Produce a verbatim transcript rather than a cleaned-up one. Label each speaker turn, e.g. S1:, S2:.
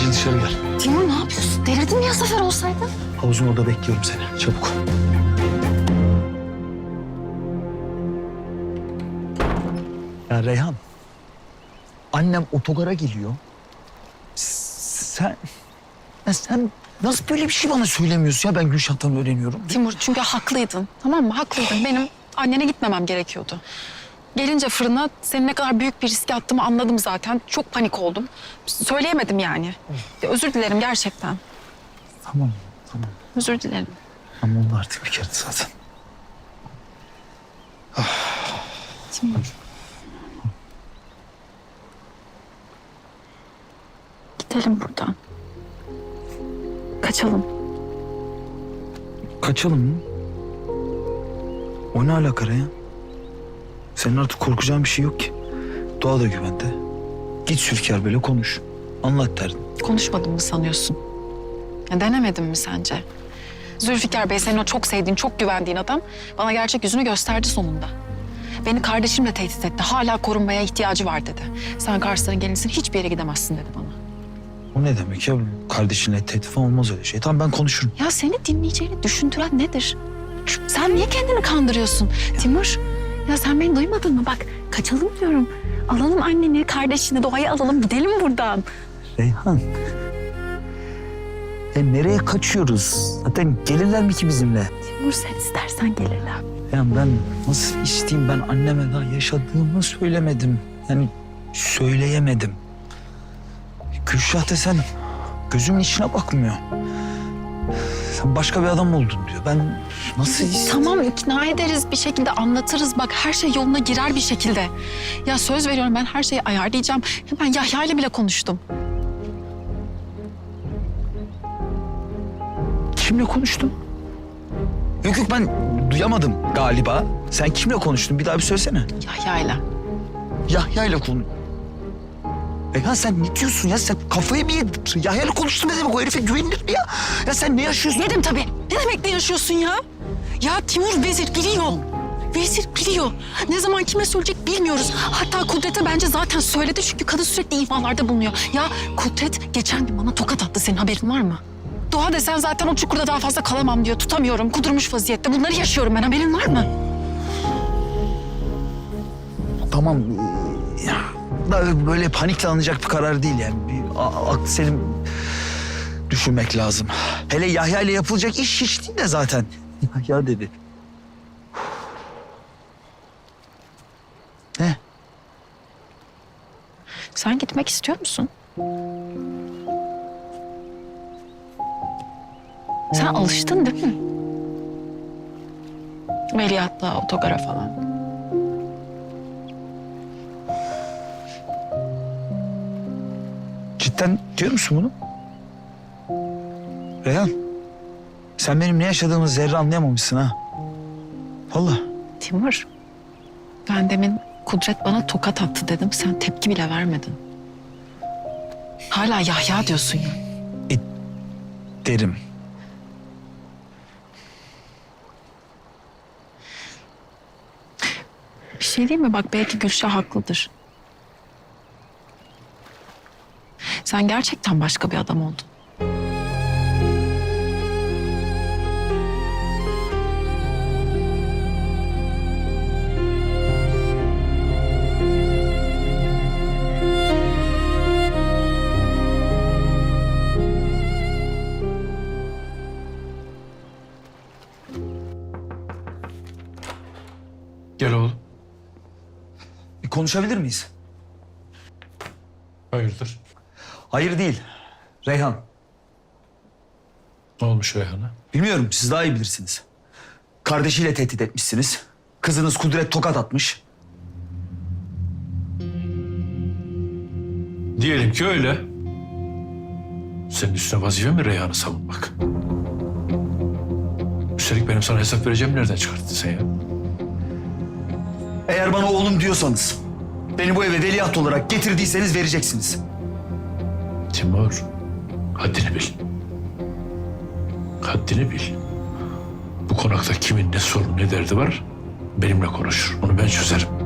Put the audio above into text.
S1: Acil dışarı gel.
S2: Timur ne yapıyorsun? Delirdin mi ya Zafer olsaydı?
S1: Havuzun orada bekliyorum seni. Çabuk. Ya Reyhan. Annem otogara geliyor. Sen... Ya sen nasıl böyle bir şey bana söylemiyorsun ya? Ben Gülşah'tan öğreniyorum.
S2: Timur çünkü haklıydın. Tamam mı? Haklıydın. Benim annene gitmemem gerekiyordu. Gelince fırına senin ne kadar büyük bir riske attığımı anladım zaten. Çok panik oldum. Söyleyemedim yani. Ya, özür dilerim gerçekten.
S1: Tamam, tamam.
S2: Özür dilerim.
S1: Ama oldu artık bir kere zaten.
S2: Timur. Gidelim buradan. Kaçalım.
S1: Kaçalım mı? O ne alaka Reyhan? Senin artık korkacağın bir şey yok ki. Doğa da güvende. Git Zülfikar böyle konuş. Anlat derdin.
S2: Konuşmadın mı sanıyorsun? Ya, denemedin mi sence? Zülfikar Bey senin o çok sevdiğin, çok güvendiğin adam bana gerçek yüzünü gösterdi sonunda. Beni kardeşimle tehdit etti. Hala korunmaya ihtiyacı var dedi. Sen Kars'tan gelinsin hiçbir yere gidemezsin dedi bana.
S1: O ne demek ya? Kardeşinle tehdit falan olmaz öyle şey. Tamam ben konuşurum.
S2: Ya seni dinleyeceğini düşündüren nedir? Sen niye kendini kandırıyorsun? Timur, ya sen beni duymadın mı? Bak kaçalım diyorum. Alalım anneni, kardeşini, Doğayı alalım gidelim buradan.
S1: Reyhan. E nereye kaçıyoruz? Zaten gelirler mi ki bizimle?
S2: Timur sen istersen gelirler.
S1: Yani ben nasıl isteyeyim? Ben anneme daha yaşadığımı söylemedim. Yani söyleyemedim. Gülşah desen gözümün içine bakmıyor. Sen başka bir adam oldun diyor. Ben nasıl isteyeyim?
S2: Tamam ikna ederiz bir şekilde anlatırız. Bak her şey yoluna girer bir şekilde. Ya söz veriyorum ben her şeyi ayarlayacağım. Ben Yahya ile bile konuştum.
S1: Kimle konuştun? Yok yok ben duyamadım galiba. Sen kimle konuştun? Bir daha bir söylesene.
S2: Yahya ile.
S1: Yahya ile konu. Reyhan sen ne diyorsun ya? Sen kafayı mı yedin? Yahya ile konuştun ne demek? O herife güvenilir mi ya? Ya sen ne yaşıyorsun?
S2: Yedim tabii. Ne demek ne yaşıyorsun ya? Ya Timur Vezir biliyor. Vezir biliyor. Ne zaman kime söyleyecek bilmiyoruz. Hatta Kudret'e bence zaten söyledi çünkü kadın sürekli imalarda bulunuyor. Ya Kudret geçen gün bana tokat attı. Senin haberin var mı? Doğa desen zaten o çukurda daha fazla kalamam diyor. Tutamıyorum. Kudurmuş vaziyette. Bunları yaşıyorum ben. Haberin var mı?
S1: Tamam. Ya, da böyle panikle alınacak bir karar değil yani. Bir a- aklı selim düşünmek lazım. Hele Yahya ile yapılacak iş hiç değil de zaten. Yahya dedi. Ne?
S2: Sen gitmek istiyor musun? Sen alıştın değil mi? Veliahtla, otogara falan.
S1: Cidden diyor musun bunu? Reyhan, sen benim ne yaşadığımı zerre anlayamamışsın ha. Vallahi.
S2: Timur, ben demin Kudret bana tokat attı dedim. Sen tepki bile vermedin. Hala Yahya diyorsun ya.
S1: E, derim.
S2: Bir şey değil mi? Bak belki Gülşah haklıdır. Sen gerçekten başka bir adam oldun.
S3: Gel oğlum.
S1: Bir konuşabilir miyiz?
S3: Hayırdır?
S1: Hayır değil. Reyhan.
S3: Ne olmuş Reyhan'a?
S1: Bilmiyorum, siz daha iyi bilirsiniz. Kardeşiyle tehdit etmişsiniz. Kızınız Kudret tokat atmış.
S3: Diyelim ki öyle. Senin üstüne vazife mi Reyhan'ı savunmak? Üstelik benim sana hesap vereceğim nereden çıkarttın sen ya?
S1: Eğer bana oğlum diyorsanız, beni bu eve veliaht olarak getirdiyseniz vereceksiniz.
S3: Timur, haddini bil. Haddini bil. Bu konakta kimin ne sorunu ne derdi var benimle konuşur. Onu ben çözerim.